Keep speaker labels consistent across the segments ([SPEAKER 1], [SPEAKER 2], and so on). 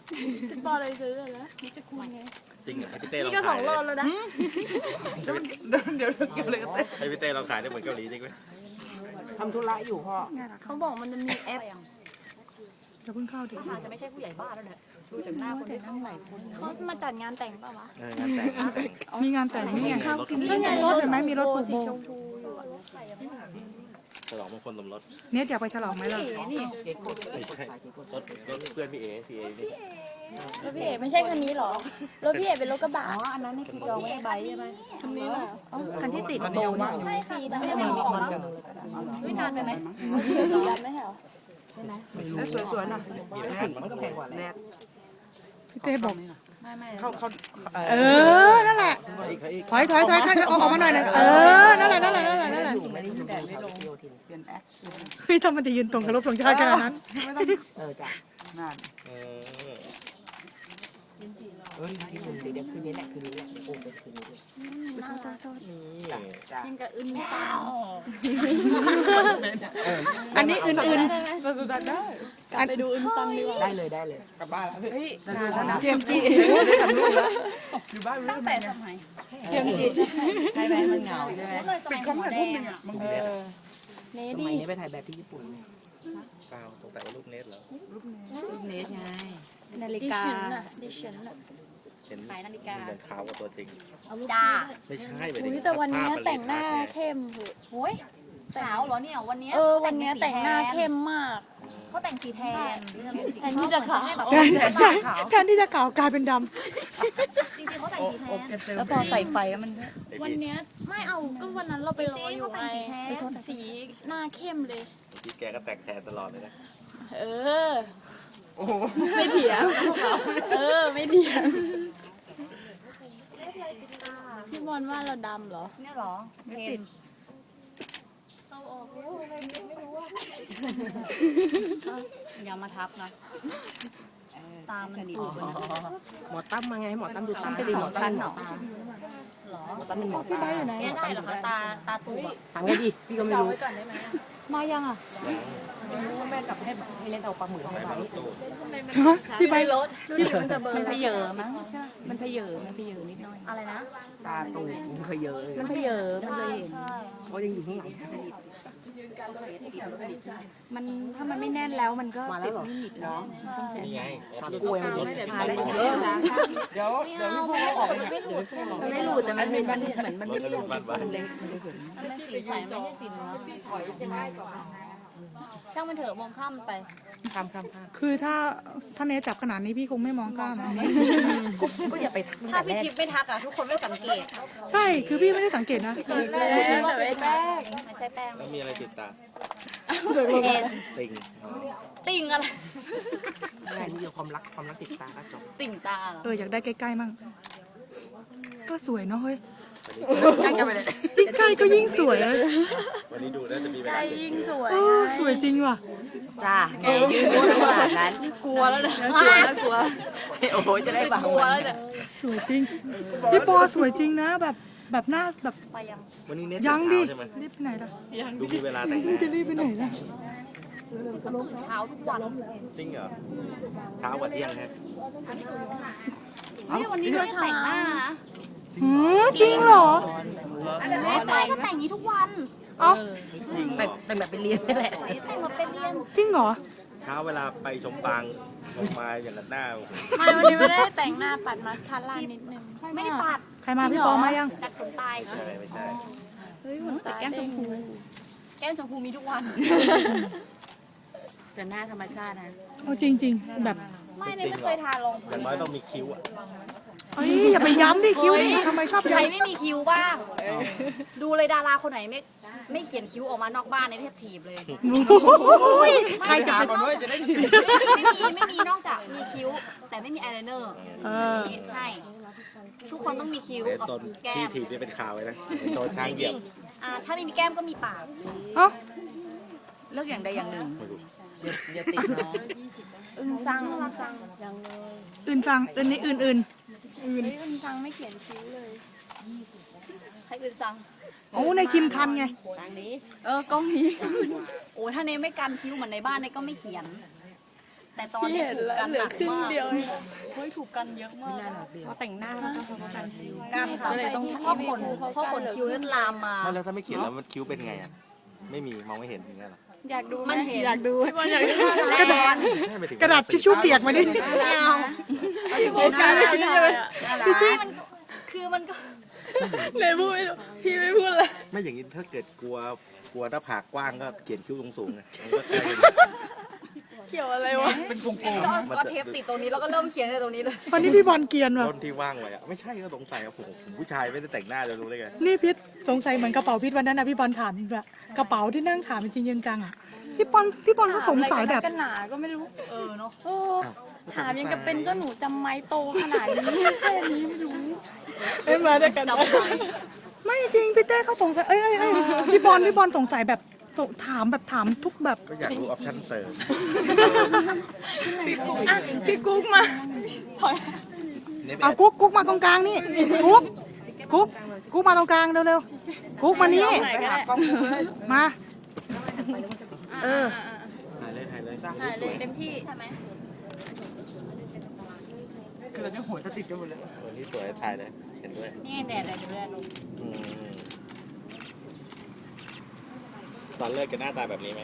[SPEAKER 1] ติดต่อเลยซื้อเลยนะนี่จะคุยไง
[SPEAKER 2] จริงเหรอให้พี่เต้ลอง
[SPEAKER 1] นี่ก็
[SPEAKER 2] ขาย
[SPEAKER 1] 2 โลแล้วนะ
[SPEAKER 3] เดี๋ยวเกี่ยวเลยกัน
[SPEAKER 2] ให้พี่เต้ลองขายได้เหมือนเกาหลีจริงไหม
[SPEAKER 3] ทำธุระอยู่พ่อ
[SPEAKER 1] เขาบอกมันจะมีแอป
[SPEAKER 4] จะเพิ่งเข้าถึง
[SPEAKER 5] อาจจะไม่ใช่ผู้ใหญ่บ้านแล้วแหละดูจากหน้าคนที่เข้าหลายคน
[SPEAKER 1] เขามาจัดงานแต่งป่าวะ
[SPEAKER 2] งานแต่ง
[SPEAKER 4] มีงานแต่งนี่ไง
[SPEAKER 2] รถ
[SPEAKER 4] นี่ไงรถเห็นไหมมีรถผูก
[SPEAKER 1] สี
[SPEAKER 4] โบ
[SPEAKER 1] ชมพูอยู่อะ
[SPEAKER 2] ฉลองมงคลสมรส
[SPEAKER 4] เนี่ยอยากไปฉลองไหมล่ะ
[SPEAKER 2] ไม่ใช่รถเพื่อนพี่เอพี่เอนี่
[SPEAKER 1] รถพี่เอกไม่ใช่คันนี้หรอรถพี่เอกเป็นรถกระบะ
[SPEAKER 5] อ๋ออันนั้นนี่คือจองไว้ใบใช่ไหม
[SPEAKER 1] คันนี้เหรอ
[SPEAKER 5] คันที่ติดโบนะ
[SPEAKER 1] ใช่สีดำ
[SPEAKER 5] ไม่
[SPEAKER 1] ไม่
[SPEAKER 5] ได้
[SPEAKER 1] เหร
[SPEAKER 5] มี
[SPEAKER 1] อ
[SPEAKER 5] ของไม่นานไปไหม
[SPEAKER 1] สีดำไม่เหรอ
[SPEAKER 3] แล้วสวยๆน่ะมันก็แพงกว่าแนท
[SPEAKER 4] พี่เต้บอก
[SPEAKER 5] ไม่
[SPEAKER 3] เขา
[SPEAKER 4] เออ นั่นแหละ
[SPEAKER 2] อีก
[SPEAKER 4] ถอยท่านก็ออกมาหน่อยนึงเออ นั่นแหละ
[SPEAKER 3] อยู่ไม่ได้อยู่แต่ไม่ลงเปลี่ยนแอค
[SPEAKER 4] เฮ้ยถ้ามันจะยืนตรงกับรถธงชาติขนาดนั้น
[SPEAKER 3] ไม่ต้องจ้ะนั่นที่คุณเดี๋ยวคืนนี้แหละคืนนี้แหละโอ้เป็นคืนนี้เลย
[SPEAKER 1] น่ารัก
[SPEAKER 3] จ้ะ
[SPEAKER 1] ยังกับอึนสาว
[SPEAKER 4] อันนี้อื่น
[SPEAKER 3] เราสุดได้
[SPEAKER 1] กลับไปดูอึนฟังดีกว่า
[SPEAKER 3] ได้เลยกลับบ้านแล้ว
[SPEAKER 5] เฮ้ย
[SPEAKER 4] ๆเจมส์จี
[SPEAKER 3] ได้ทำรูปแล้วอยู่บ้าน
[SPEAKER 5] ตั้งแต่สมัย
[SPEAKER 3] เจียงจีใช่ไหมมันเหงาใช่ไหม
[SPEAKER 5] เลยสมัยหัวแดงอ่ะ
[SPEAKER 1] เน
[SPEAKER 3] ส
[SPEAKER 1] ดี
[SPEAKER 3] มัยนี้ไปถ่ายแบบที่ญี่ปุ่น
[SPEAKER 2] เปล่าสงสัยว่าลูกเนสเหรอ
[SPEAKER 5] รูปเนสไง
[SPEAKER 4] นาฬิ
[SPEAKER 1] ดิ
[SPEAKER 4] กา
[SPEAKER 1] ฉันน่ะดิฉันน่ะ
[SPEAKER 2] เห็น
[SPEAKER 5] ขายนาฬิกา
[SPEAKER 2] เหมือนขาวกว่าตัวจริง
[SPEAKER 5] จ้า
[SPEAKER 2] ไม่ใช่ไป
[SPEAKER 1] อุ้ยแต่วันนี้แต่งหน้าเข้มเหอะ
[SPEAKER 5] โอ้ยขาวเหรอเนี่ยวันนี้
[SPEAKER 1] วันนี้แต่งหน้าเข้มมาก
[SPEAKER 5] เขาแต่งสีแทน
[SPEAKER 1] แทนที่จะขาว
[SPEAKER 4] แทนที่จะขาวกลายเป็นด
[SPEAKER 5] จริงๆเขาแต่งสีแทน
[SPEAKER 4] แล้วพอใส่ไฟมัน
[SPEAKER 1] วันเนี้ยไม่เอาก็วันนั้นเราไปรออยู่ไง
[SPEAKER 5] จริงๆเขาแต่งสีแทน
[SPEAKER 1] สีหน้าเข้มเลย
[SPEAKER 2] พี่แกก็แต่งแทนตลอดเลยนะ
[SPEAKER 1] เออ ไม่เถียงไม่เถียงพี่บอลว่าเราดำเหรอ
[SPEAKER 5] เนี่ยเหรอเพนอย่ามาทับนะตามมันตูด
[SPEAKER 3] หมอตั้มมาไงหมอตั้มดูตา
[SPEAKER 5] เป็นสองชั้นเหรอหรอ
[SPEAKER 3] หมอตั้มเป็นหมอ
[SPEAKER 1] พี่
[SPEAKER 3] ตา
[SPEAKER 1] บ้าอยู่ไหน
[SPEAKER 5] เนี่ยได้เหรอคะตาตูบ
[SPEAKER 3] ทางไงดิพี่ก็ไม่รู้
[SPEAKER 1] มายังอ่ะ
[SPEAKER 3] แม่กลับให้เล่นเอาปลาหมึกให้ไว้
[SPEAKER 4] พี่ใบ
[SPEAKER 5] รถ
[SPEAKER 4] มันพเยอมั้งใช่มันพเยอนิดหน่อย
[SPEAKER 5] อะไรนะ
[SPEAKER 3] ตาตูมันเคยเยอะเลย
[SPEAKER 4] มันพเยอมันเลยเห็น
[SPEAKER 3] เขายังอยู่ข้างหลัง
[SPEAKER 4] มันถ้ามันไม่แน่นแล้วมันก็ติดไม่หนิดเนาะ
[SPEAKER 2] นี่ไง
[SPEAKER 3] ตากล้วยมันรถพาได้เยอะเดี๋ยวพี่พูดออกเนี่ยเดี๋ยวพี่ลอง
[SPEAKER 4] มันไม่หลุดแต่มันเป็นเหมือนมันไม่เลี่ยน
[SPEAKER 2] บ้าน
[SPEAKER 3] มันเล็กมันเห็น
[SPEAKER 5] มันเป็นสีใสไม่ใช่สีเนื้อช่างมันเถอะมองข้ามมันไป
[SPEAKER 3] ข้าม
[SPEAKER 4] คือถ้าเนจับขนาดนี้พี่คงไม่มองข้าม
[SPEAKER 3] ก็อย่าไปทัก
[SPEAKER 5] ถ้าพี่ทิพย์ไม่ทักอ่ะทุกคนไม่สังเกต
[SPEAKER 4] ใช่คือพี่ไม่ได้สังเกตนะ
[SPEAKER 1] แต่ไม่แป้ง
[SPEAKER 5] ไม่ใช่แป้ง
[SPEAKER 2] แล้วมีอะไรติดตา
[SPEAKER 5] เอ็น
[SPEAKER 2] ติ่ง
[SPEAKER 5] ติ่งอะไร
[SPEAKER 3] อะไรนี่เดี๋ยวความรักติดตาก็จบ
[SPEAKER 5] ติ่งตาเหรอ
[SPEAKER 4] อยากได้ใกล้ๆมั่งก็สวยเนาะเฮ้ย
[SPEAKER 5] ใกล้กันไปเลย
[SPEAKER 4] ยิ่งใกล้ก็ยิ่งสวย
[SPEAKER 2] วันนี้ดูน่าจะมีเว
[SPEAKER 1] ใจ
[SPEAKER 2] ลา
[SPEAKER 1] ยิ่งสวย
[SPEAKER 4] สวยจริงว่ะ
[SPEAKER 5] จ้าแกยืนขนาดนั้นกลัวแล้วเนี่ยกลัว
[SPEAKER 3] โอ้โหจะได้บัง
[SPEAKER 5] กลัวแล้วเนี่ย
[SPEAKER 4] สวยจริงพี่ปอสวยจริงนะแบบหน้าแบบ
[SPEAKER 5] ไปยัง
[SPEAKER 2] วันนี้เนส
[SPEAKER 4] ยังดิ
[SPEAKER 2] ใช่ไหม
[SPEAKER 4] รีบไปไหนล่ะ
[SPEAKER 2] ดูมีเวลาแต่งห
[SPEAKER 4] มึง
[SPEAKER 2] น้า
[SPEAKER 4] จะรีบไปไหนล่ะ
[SPEAKER 5] เช้าทุกวัน
[SPEAKER 2] จริงเหรอเช้ากว่าเที่ยงฮะ
[SPEAKER 5] นี่วันนี้ก็แต่งหน้านะ
[SPEAKER 4] จริงเหรอ
[SPEAKER 5] แม่ไปก็แต่งนี้ทุกวัน
[SPEAKER 4] เอ้า
[SPEAKER 3] แต่งแบบไปเรียนนี่แหละ
[SPEAKER 5] แต่งมาเป็นเรียน
[SPEAKER 4] จริงเหรอ
[SPEAKER 2] เช้าเวลาไปชมปางออกมาอย่างนั้นหน้าโอ้โห
[SPEAKER 1] ไม่วันนี้ไม่ได้แต่งหน้าปัดมาสคาร่านิดนึง
[SPEAKER 5] ไม่ได้ปัด
[SPEAKER 4] ใครมาพี่ปอมายัง
[SPEAKER 5] ดัดขนตาย
[SPEAKER 2] ไม่ใช่
[SPEAKER 1] เฮ้ยหุ่นตา
[SPEAKER 5] แก้มชมพูแก้มชมพูมีทุกวัน
[SPEAKER 4] แต่หน้าธรรมชาตินะโอ้จริงๆแบบ
[SPEAKER 5] ไม่เนี่ยไม่เคยทาลง
[SPEAKER 2] อย่างน้อยต้องมีคิ้วอ่ะ
[SPEAKER 4] เอ้ยอย่าไปย้ำดิคิ้วดิทำไมชอบ
[SPEAKER 5] ใคร
[SPEAKER 4] ย้ำ
[SPEAKER 5] ไม่มีคิ้วบ้าง ดูเลยดาราคนไหนไม่เขียนคิ้วออกมานอกบ้านในเพศถีบเลย
[SPEAKER 4] ใครจะเป็น
[SPEAKER 2] ก่อนด้วยจะได้คิ้ว
[SPEAKER 5] ไม่มีนอกจากมีคิ้ว แต่ไม่มีอายไลเนอร์อันนี้ให้ทุกคนต้องมีคิ้ว
[SPEAKER 2] เดี๋ยว
[SPEAKER 5] กับ
[SPEAKER 2] ตอน
[SPEAKER 5] แก้
[SPEAKER 2] ที่
[SPEAKER 5] ม
[SPEAKER 2] ถีบจะเป็นข่าวเลยนะโดนช้างเห
[SPEAKER 5] จ
[SPEAKER 2] ยีย
[SPEAKER 5] ริ
[SPEAKER 2] บ
[SPEAKER 5] งถ้าไม่มีแก้มก็มีปาก
[SPEAKER 4] เอ้า
[SPEAKER 5] เลือกอย่างใดอย่างหนึ่ง
[SPEAKER 2] ไม่รู้
[SPEAKER 5] เดี๋ยวติดเนาะ
[SPEAKER 1] อึ้งซังยังเลย
[SPEAKER 4] อื่นฟังอื่นนี่อื่น
[SPEAKER 1] เฮ้ยอึ้งซังไม่เขียนคิ้วเลย
[SPEAKER 5] ให้อื่นสั่ง
[SPEAKER 4] โอ้ในคิมทันไง
[SPEAKER 5] กล้องนี้โอ้ถ้าเนไม่กันคิ้วเหมือนในบ้านเนก็ไม่เขียนแต่ตอนนี้ถูกกันหนักมากเฮ้ยถูกกันเยอะมาก
[SPEAKER 3] พอแต่งหน้าแล้วก็เขาก็การคิ้ว
[SPEAKER 5] กันค่ะก็เลยต้องเพราะขนคิ้วนี่ลามมา
[SPEAKER 2] ไม่แล้วถ้าไม่เขียนแล้วมันคิ้วเป็นไงอ่ะไม่มีมองไม่เห็นอย่างเงี้ยหรอ
[SPEAKER 1] อยากดูไห
[SPEAKER 5] มันเห็น
[SPEAKER 1] อยากดูพี่บอลอยากดู
[SPEAKER 5] กระดาษ
[SPEAKER 2] ไม่ไปถึง
[SPEAKER 4] กระดาษทิชชู่เปียกมาดิ
[SPEAKER 5] ไม่เอา
[SPEAKER 1] โฟกัสไม่คิดเลย
[SPEAKER 5] มันคือมันก็
[SPEAKER 1] เลยพูดไม่รู้พี่ไม่พูดเลย
[SPEAKER 2] ไม่อย่างนี้ถ้าเกิดกลัวหน้าผากกว้างก็เขียนคิ้วสูงๆไงมันก็ใช่
[SPEAKER 1] เกี่ยวอะไรวะ
[SPEAKER 3] เป็นกลม
[SPEAKER 5] ก็เอาสกอตเทปติดตรงนี้แล้วก็เริ่มเขียนในตรงนี้เลย
[SPEAKER 4] วันนี้พี่บอลเกรียนว่ะ
[SPEAKER 2] ต้นที่ว่างไว้อะไม่ใช่ก็สงสัยครับผมผู้ชายไม่ได้แต่งหน้าจะรู้ได้ไง
[SPEAKER 4] นี่พิษสงสัยเหมือนกระเป๋าพิษวันนั้นนะพี่บอลถามแบบกระเป๋าที่นั่งถามจริงๆจังๆอ่ะพี่บอลก็สงสัยแบบ
[SPEAKER 1] กันหนาก็ไม่รู้
[SPEAKER 5] เนาะ
[SPEAKER 1] โอ้ถามยังกับเป็นเจ้าหนูจำไม้โตขนาดนี้แค่นี้ไม่รู้เอ้ยมาด้วยกัน
[SPEAKER 5] จำไว้
[SPEAKER 4] ไม่จริงพี่เต้เขาสงสัยพี่บอลสงสัยแบบถามทุกแบบ
[SPEAKER 2] ก็อยากรู้ออปชั่นเสริม
[SPEAKER 1] อ่ะพี่กุ๊กมาถอย
[SPEAKER 4] เอากุ๊กมาตรงกลางนี่กุ๊กมาตรงกลางเร็วๆกุ๊กมานี่
[SPEAKER 1] ไหนก็ได้
[SPEAKER 4] มา
[SPEAKER 2] ถ่ายเลย
[SPEAKER 1] ถ่ายเลยเต็มที่ใช่ไหม
[SPEAKER 3] คือเราจะหัวจะติดกันหมดเลย
[SPEAKER 2] วันนี้สวยถ่ายเลยเห็นด้วย
[SPEAKER 5] นี่แดดดูแลลง
[SPEAKER 2] อืมตอนเลิกกันหน้าตาแบบนี้ไหม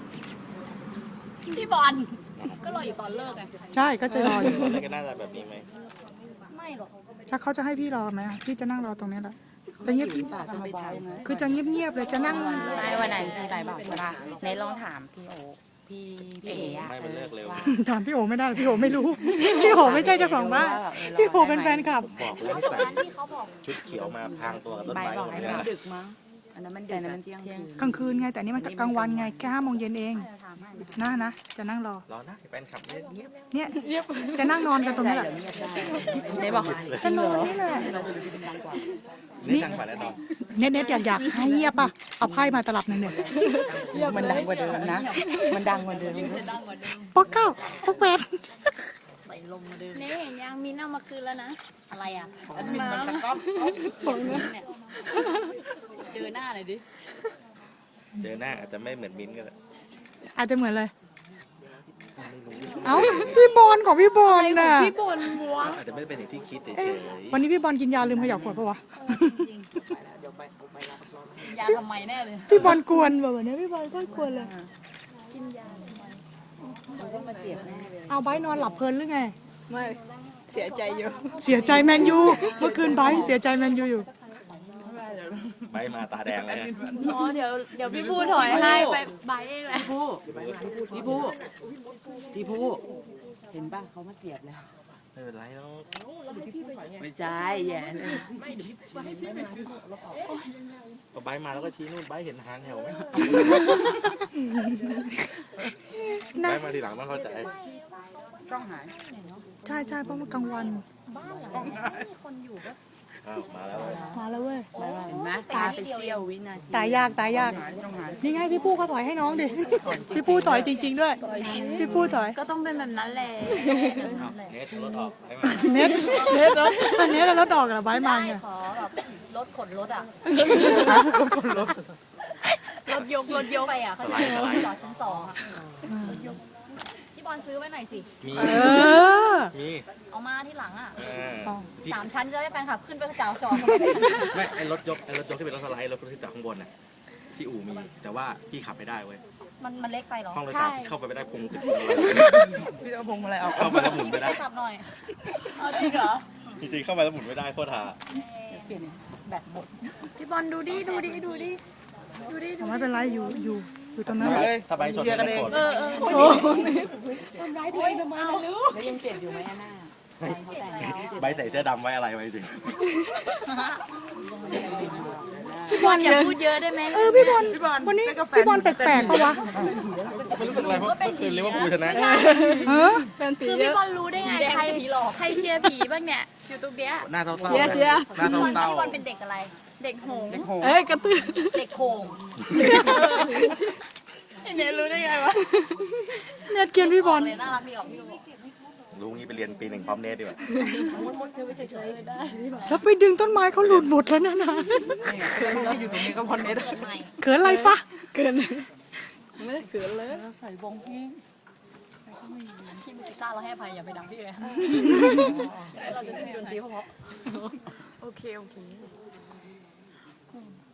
[SPEAKER 5] พี่บอลก็รออยู่ตอนเลิกไง
[SPEAKER 4] ใช่ก็จะรออยู่
[SPEAKER 2] ตอนเลิกกันหน้าตาแบบนี้ไหม
[SPEAKER 5] ไม่หรอก
[SPEAKER 4] ถ้าเขาจะให้พี่รอไหมพี่จะนั่งรอตรงนี้แหละจะเงียบ
[SPEAKER 3] จะไปถ่ายไหม
[SPEAKER 4] คือจะเงียบๆเลยจะนั่ง
[SPEAKER 3] ไม่วันไหนพี่ไรบอกว่าเนทลองถามพี่โอพี่เอ๋อะ
[SPEAKER 2] ไม่มันเลิกเร็ว
[SPEAKER 4] ถามพี่โอไม่ได้หรอกพี่โอไม่รู้ พี่โอไม่ใช่เจ้าของบ้านพี่โอเป็นแฟนคลับ
[SPEAKER 2] บอกแล้วให้ใส่
[SPEAKER 5] ร้านที่เขาบอก
[SPEAKER 2] ชุดเขียวมาพรางตัวกับต้น
[SPEAKER 3] ใบ
[SPEAKER 2] ไม้
[SPEAKER 3] บอก
[SPEAKER 2] หมด
[SPEAKER 3] ให้
[SPEAKER 2] เลย
[SPEAKER 3] มัน
[SPEAKER 2] นะ
[SPEAKER 3] ดึกมั้งอันนั้นมันดึกมันเที่ยงคืน
[SPEAKER 4] กลางคืนไงแต่อันนี่มันกลางวันไงแค่5 โมงเย็นเองนะจะนั่งรอ
[SPEAKER 2] รอนะแฟนคลับเงียบ
[SPEAKER 4] เนี่ยจะนั่งนอนกันตรงนี้แหละ
[SPEAKER 3] เนทบอก
[SPEAKER 4] จะนอนนี่แหละ
[SPEAKER 2] นี่ดังกว่าแน่นอน
[SPEAKER 4] เน็ตอยากให้เงียบป่ะเอาไพ่มาตลับหนึ่งเนี่ย
[SPEAKER 3] มันดังกว่าเดิมนะมันดังกว่าเดิม
[SPEAKER 5] จะดังกว่าเดิม
[SPEAKER 4] ป๊อกเก้าป๊อกแปด
[SPEAKER 5] ใส่ลมมาเดิม
[SPEAKER 1] นี่เห็นยังมินเอามาคืนแล้วนะ
[SPEAKER 5] อะไรอ่ะ
[SPEAKER 1] น้ำ
[SPEAKER 5] ผมเนี่ยเจอหน้าหน่อยดิ
[SPEAKER 2] เจอหน้าอาจจะไม่เหมือนมิ้นท์ก็ได้
[SPEAKER 4] อาจจะเหมือนเลยเอ้าพี่บอลของพี่บอลน่ะ
[SPEAKER 1] พี่บอลบัว
[SPEAKER 2] อาจจะไม่เป็นอย่างที่คิดเฉย
[SPEAKER 4] วันนี้พี่บอลกินยาลืมเขย่าขวดปะวะ
[SPEAKER 5] ยาทำไมแน่เลย
[SPEAKER 4] พี่บอลกวนแบบนี้พี่บอลก็กวนเลย เอาไบร์ทนอนหลับเพลินหรือไง
[SPEAKER 1] ไม่เสียใจอยู่
[SPEAKER 4] เสียใจแมนยูเมื่อคืนไบร์ทเสียใจแมนยูอยู่
[SPEAKER 2] ๆไม่มาตาแดงเลยฮะ
[SPEAKER 1] อ๋อเดี๋ยวพี่พูดถอยให้ไปใบเองแหละ
[SPEAKER 3] พี่ผู้เห็นป่ะเขามาเสียบแล้ว
[SPEAKER 2] ไม่เป็นไรแล้ว
[SPEAKER 3] ไม่ใช่แย่เลย
[SPEAKER 2] ก็ใบมาแล้วก็ชี้นู่นใบเห็นหางแถวไหมใบมาทีหลังต้องเข้าใจ
[SPEAKER 3] กล้องหาย
[SPEAKER 4] ใช่เพราะมันกลางวัน
[SPEAKER 2] อ้าวมาแล้ว
[SPEAKER 4] มาแล้วเว้ย
[SPEAKER 3] เห็นไหมตาเป็นเสี้ยววินาที
[SPEAKER 4] ตายยากนี่ไงพี่ปู้เขาถอยให้น้องดิพี่ปู้ถอยจริง ๆ ด้วย พี่ปู้ถอย
[SPEAKER 1] ก็ต้องเป็นแบบนั้นแหละ
[SPEAKER 2] อ้าวเนทรถออกให้มา
[SPEAKER 4] เน็ตอันนี้เรารถดอกเหรอไบร์ทมาไง
[SPEAKER 5] ขอแบบรถขนรถอ่ะ
[SPEAKER 1] รถยก
[SPEAKER 5] ไปอ่ะเขาจะจอดชั้น2อ่ะพี่บอลซื้อไว้หน่อยสิ
[SPEAKER 2] มี
[SPEAKER 4] อ
[SPEAKER 2] มี
[SPEAKER 5] เอามาที่หลังอ่ะ
[SPEAKER 2] ที่
[SPEAKER 5] 3 ชั้นจะได้แฟนคลับขึ้นไปจอด
[SPEAKER 2] ไม่ไอรถยกที่เป็นรถสไลด์รถที่จากข้างบนน่ะที่อู่มีแต่ว่าพี่ขับไม่ได้เว้ย
[SPEAKER 5] มันเล็กไปเหรอ
[SPEAKER 2] ห้องโดยสารพี่เข้าไปไม่ได้พุงติด
[SPEAKER 3] พี่เอาพงมาอะไรเอา
[SPEAKER 2] เข้าไปแล้วหมุน
[SPEAKER 5] พี่
[SPEAKER 2] ไม่
[SPEAKER 5] ไป
[SPEAKER 2] ได้
[SPEAKER 5] ขับหน่อย
[SPEAKER 1] เอาจริงเหรอ
[SPEAKER 2] จริงๆเข้าไปแล้วหมุนไม่ได้โคตรหา
[SPEAKER 3] แบบหมด
[SPEAKER 1] พี่บอลดูดิ
[SPEAKER 4] ไม่เป็นไรอยู่ตรงนั้น
[SPEAKER 2] ถ้าใบชนไม่โกรธ
[SPEAKER 3] แล้วยังเจ็บอยู่ไหมหน้าเขาแต่งแล้ว
[SPEAKER 2] ใบใส่เสื้อดำไว้อะไรไว้จริง
[SPEAKER 1] พี่บอลอย่าพูดเยอะได้ไหม
[SPEAKER 4] พี่บอลวันนี้พี่บอลแปลกๆปะวะ
[SPEAKER 2] ไม่รู้สึกอะไรเพราะเมื่อคืนเรียกว่ากูชนะ
[SPEAKER 4] เออ
[SPEAKER 1] คือพี่บอลรู้ได้ไง
[SPEAKER 5] แดง
[SPEAKER 1] ใคร
[SPEAKER 5] จะผีหลอก
[SPEAKER 1] ใครเชียร์ผีบ้างเนี่ยอยู่ตรงเนี้ย
[SPEAKER 2] หน้าเศร้าๆหน้าเศร้า
[SPEAKER 5] พี่บอลเป็นเด็กอะไร
[SPEAKER 1] เด็กหงส์
[SPEAKER 4] เอ้ยกระตือ
[SPEAKER 5] เด็กโขง
[SPEAKER 1] ไอเนี่ยรู้ได้ไงวะ
[SPEAKER 4] เน็ตเกียนพี่บอล
[SPEAKER 5] เลยน่ารักดีออกพี่
[SPEAKER 2] รู้งี้ไปเรียนปี 1พร้อมเนทดีกว่า
[SPEAKER 4] แล้วไปดึงต้นไม้เขาหลุดหมดแล้วนะ
[SPEAKER 3] อยู่ตรงนี้ก็พอเน็ต
[SPEAKER 5] เกิดใหม่
[SPEAKER 4] เขินอะไรฟะ
[SPEAKER 3] ใส่วงพี่
[SPEAKER 1] พี่มือกีตาร์เราให้อภัยอย่าไปดังพี่เลยเราจะไม่มีดนตรีเพราะโอเค